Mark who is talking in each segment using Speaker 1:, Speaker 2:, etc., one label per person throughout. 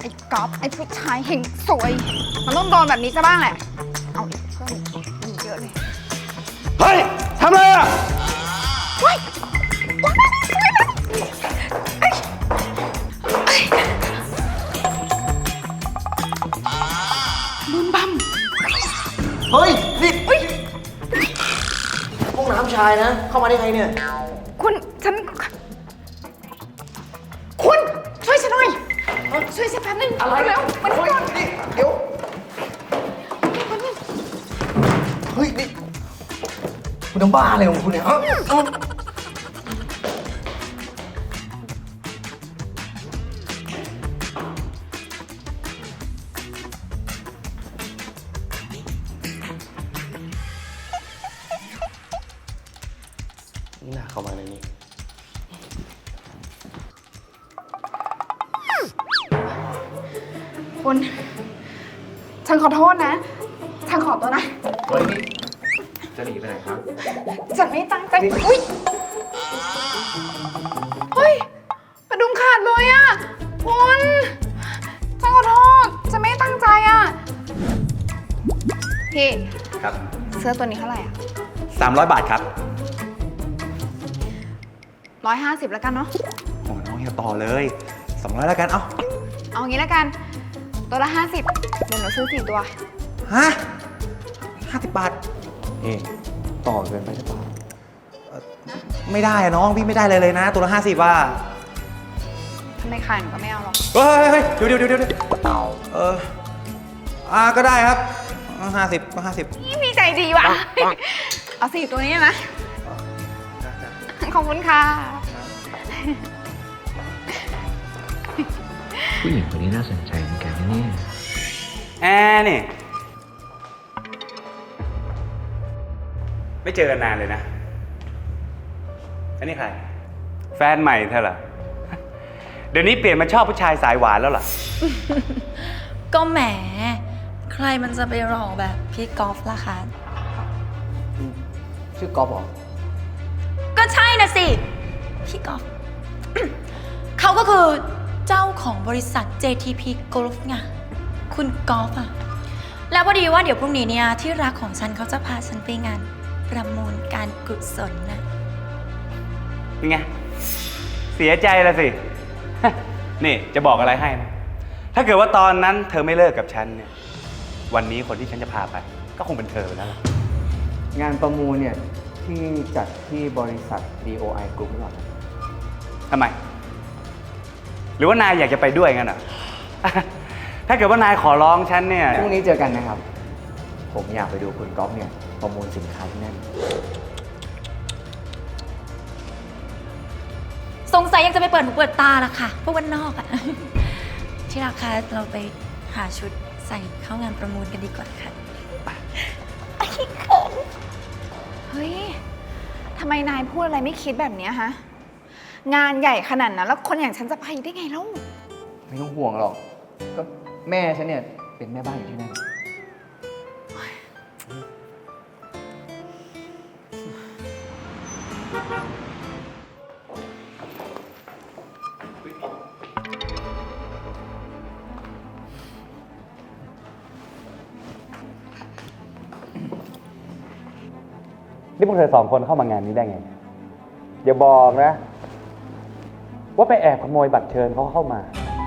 Speaker 1: ไอ้ก๊อฟไอ้ผู้ชายเฮงสวย มันต้องโดนแบบนี้ซะบ้างแหละ เอาอีกเพิ่มอีกเยอะเลย
Speaker 2: เฮ้ย ทำอะไรอ่ะ
Speaker 1: เฮ้ยบึมบัม
Speaker 3: เฮ้ยนี่ห้องน้ำชายนะ เข้ามาได้ไงเนี่ย
Speaker 1: คุณฉัน คุณช่วยฉันหน่อย ช่วยฉันแป๊บนึง
Speaker 3: อะไร
Speaker 1: เร็วมันก่อน
Speaker 3: นี่เดี๋ยว เฮ้ย นี่ คุณทำบ้าอะไรของคุณเนี่ยนี่น่าเข้ามาในนี้
Speaker 1: คุณ ฉันขอโทษนะ ฉันขอตัวนะ
Speaker 2: เฮ้ย นี่ จะหนีไปไหนครับ
Speaker 1: ฉันไม่ตั้งใจอุ้ยเฮ้ยกระดุมขาดเลยอ่ะคุณฉันขอโทษ ฉันไม่ตั้งใจอ่ะ พี่
Speaker 2: ครับ
Speaker 1: เสื้อตัวนี้เท่าไหร่อ่ะ
Speaker 2: 300 บาทครับ
Speaker 1: 150แล้วกันเนาะ
Speaker 2: โอ้น้องเฮียต่อเลย200แล้วกัน เอ้า
Speaker 1: เอางี้แล้วกัน ตัวละ 50เดี๋ยวหนูซื้อ4ตัว
Speaker 2: ฮะ50 บาท
Speaker 3: ต่อเกินไปหรือเปล่า
Speaker 2: ไม่ได้อะน้อง พี่ไม่ได้เลยนะ ตัวละ50ว่า
Speaker 1: ทำไมขายหนูก็ไม่เอาหรอก
Speaker 2: เฮ้ย เดี๋ยวก็ได้ครับ50ก็50
Speaker 1: นี่พี่ใจดีว่ะ เอา4ตัวนี้นะ ขอบคุณค่ะ
Speaker 4: ผู้หญิงคนนี้น่าสนใจเหมือนกันนะเนี่ย
Speaker 2: แอร์นี่ ไม่เจอกันนานเลยนะ อันนี้ใคร แฟนใหม่เธอเหรอ เดี๋ยวนี้เปลี่ยนมาชอบผู้ชายสายหวานแล้วเหรอ
Speaker 5: ก็แหม ใครมันจะไปหล่อแบบพี่กอล์ฟล่ะคะ
Speaker 3: ชื่อกอล์ฟเหรอ
Speaker 5: ก็ใช่นะสิ พี่กอล์ฟ เขาก็คือเจ้าของบริษัท JTP Golf ไงคุณกอล์ฟอะแล้วพอดีว่าเดี๋ยวพรุ่งนี้เนี่ยที่รักของฉันเขาจะพาฉันไปงานประมูลการกุศลนะ
Speaker 2: เป็นไง เสียใจละสิ นี่จะบอกอะไรให้นะ ถ้าเกิดว่าตอนนั้นเธอไม่เลิกกับฉันเนี่ย วันนี้คนที่ฉันจะพาไป ก็คงเป็นเธอไปแล้วล่ะ
Speaker 3: งานประมูลเนี่ย ที่จัดที่บริษัท DOI Group หรือเปล่า
Speaker 2: ทำไม หรือว่านายอยากจะไปด้วยงั้นเหรอ ถ้าเกิดว่านายขอร้องฉันเนี่ย
Speaker 3: พรุ่งนี้เจอกันนะครับ ผมอยากไปดูคุณก๊อฟเนี่ย ประมูลสินค้าที่นั่น
Speaker 5: สงสัยยังจะไปเปิดหูเปิดตาละค่ะพวกวันนอกอะ ที่ราคาเราไปหาชุดใส่เข้างานประมูลกันดีกว่าค่ะ
Speaker 1: เฮ้ย ทำไมนายพูดอะไรไม่คิดแบบเนี้ยฮะ งานใหญ่ขนาดนั้นแล้วคนอย่างฉันจะไปได้ไงเล่า
Speaker 3: ไม่ต้องห่วงหรอก ก็แม่ฉันเนี่ยเป็นแม่บ้านอยู่ที่นั่น
Speaker 2: นี่พวกเธอสองคนเข้ามางานนี้ได้ไง อย่าบอกนะ ว่าไปแอบขโมยบัตรเชิญเขาเข้ามา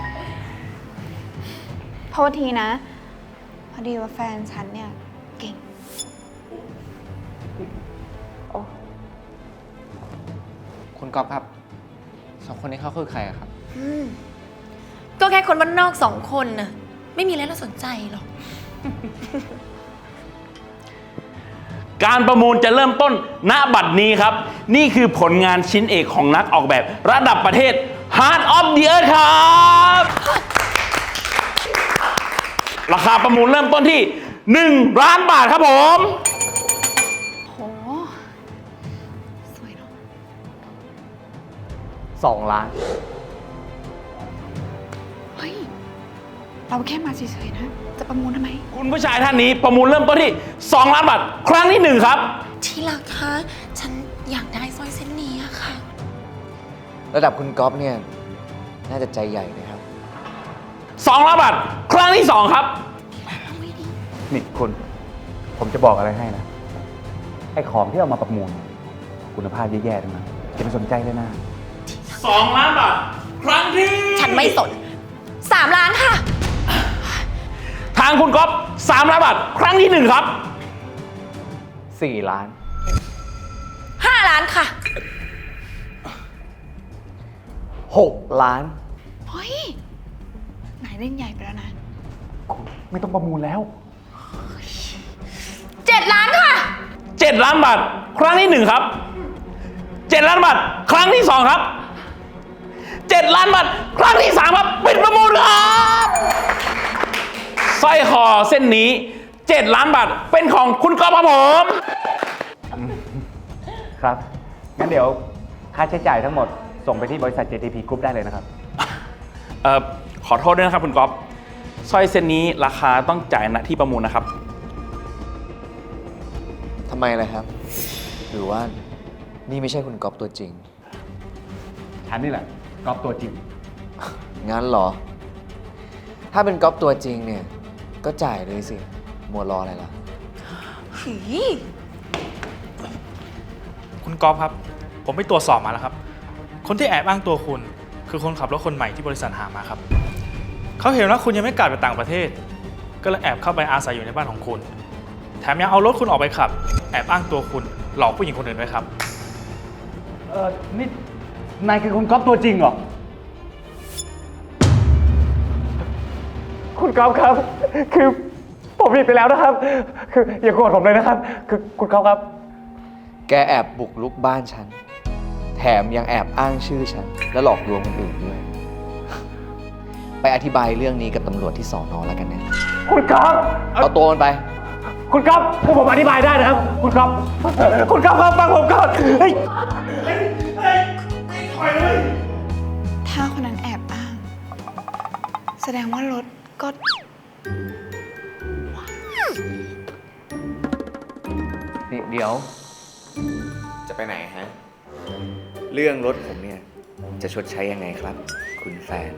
Speaker 1: โทษทีนะ พอดีว่าแฟนฉันเนี่ยเก่ง
Speaker 3: คุณก๊อฟครับ สองคนนี้เขาคือใครอะครับ
Speaker 5: ก็แค่คนบ้านนอกสองคนน่ะไม่มีอะไรน่าสนใจหรอก
Speaker 6: การประมูลจะเริ่มต้นณบัดนี้ครับ นี่คือผลงานชิ้นเอกของนักออกแบบระดับประเทศ Heart of the Earth ครับ ราคาประมูลเริ่มต้นที่ 1 ล้านบาทครับผม
Speaker 1: โห สวยเนาะ
Speaker 3: 2 ล้าน
Speaker 1: เฮ้ย เราแค่มาเฉยๆนะ จะประมูลทำไม
Speaker 6: คุณผู้ชายท่านนี้ประมูลเริ่มต้นที่ 2 ล้านบาท ครั้งที่ 1 ครับ
Speaker 5: ที่รักคะฉันอยากได้สร้อยเส้นนี้อะค่ะ
Speaker 3: ระดับคุณก๊อฟเนี่ย น่าจะใจใหญ่เลยครับ
Speaker 6: 2 ล้านบาทครั้งที่ 2 ครับ
Speaker 2: นี่คุณ ผมจะบอกอะไรให้นะ ไอ้ของที่เอามาประมูล คุณภาพแย่ๆทั้งนั้นจะไม่สนใจเลยนะ
Speaker 6: 2 ล้านบาทครั้งที่
Speaker 5: ฉันไม่สน 3 ล้านค่ะ
Speaker 6: ทางคุณก๊อฟ3 ล้านบาทครั้งที่ 1 ครับ
Speaker 3: 4 ล้าน
Speaker 5: 5 ล้านค่ะ
Speaker 3: 6 ล้าน
Speaker 1: เฮ้ย นายเล่นใหญ่ไปแล้วนะ
Speaker 2: ไม่ต้องประมูลแล้ว
Speaker 5: 7 ล้านค่ะ
Speaker 6: 7 ล้านบาทครั้งที่ 1 ครับ 7 ล้านบาทครั้งที่ 2 ครับ 7 ล้านบาทครั้งที่ 3 ครับปิดประมูลครับสร้อยคอเส้นนี้ 7 ล้านบาทเป็นของคุณก๊อฟครับผม
Speaker 2: ครับ งั้นเดี๋ยวค่าใช้จ่ายทั้งหมด ส่งไปที่บริษัท JTP Group ได้เลยนะครับ
Speaker 6: ขอโทษด้วยนะครับคุณก๊อฟสร้อยเส้นนี้ราคาต้องจ่ายณที่ประมูลนะครับ
Speaker 7: ทำไมล่ะครับ หรือว่านี่ไม่ใช่คุณก๊อฟตัวจริง
Speaker 2: ฉันนี่แหละก๊อฟตัวจริง
Speaker 7: งั้นเหรอ ถ้าเป็นก๊อฟตัวจริงเนี่ย ก็จ่ายเลยสิ มัวรออะไรล่ะ
Speaker 5: หือ
Speaker 8: คุณก๊อฟครับ ผมไปตรวจสอบมาแล้วครับ คนที่แอบอ้างตัวคุณ คือคนขับรถคนใหม่ที่บริษัทหามาครับ เขาเห็นว่าคุณยังไม่กลับไปต่างประเทศ ก็เลยแอบเข้าไปอาศัยอยู่ในบ้านของคุณ แถมยังเอารถคุณออกไปขับ แอบอ้างตัวคุณหลอกผู้หญิงคนอื่นด้วยครับ
Speaker 2: นี่นายคือคุณก๊อฟตัวจริงเหรอ คุณก๊อฟครับ คือผมผิดไปแล้วนะครับ คืออย่าโกรธผมเลยนะครับ คือคุณก๊อฟครับ
Speaker 7: แกแอบบุกรุกบ้านฉัน แถมยังแอบอ้างชื่อฉัน และหลอกลวงคนอื่นด้วย ไปอธิบายเรื่องนี้กับตำรวจที่สอนอแล้วกันนะ
Speaker 2: คุณก๊อฟ
Speaker 7: เอาตัวมันไป
Speaker 2: คุณก๊อฟคือผมอธิบายได้นะครับ คุณก๊อฟคุณก๊อฟครับฟังผมก่อนเฮ้ย
Speaker 1: ถ้าคนนั้นแอบอ้าง แสดงว่ารถก็
Speaker 3: นี่เดี๋ยว
Speaker 7: จะไปไหนฮะ เรื่องรถผมเนี่ย จะชดใช้ยังไงครับ คุณแฟน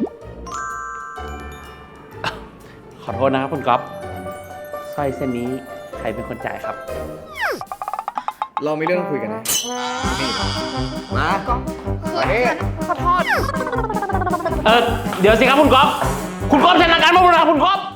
Speaker 6: ขอโทษนะครับคุณก๊อฟสร้อยเส้นนี้ใครเป็นคนจ่ายครับ
Speaker 7: เรามีเรื่องต้องคุยกันนะ นี่ มา
Speaker 1: คือฉันขอโทษ
Speaker 6: เดี๋ยวสิครับคุณก๊อฟคุณก๊อฟชนะการประมูลนะครับคุณก๊อฟ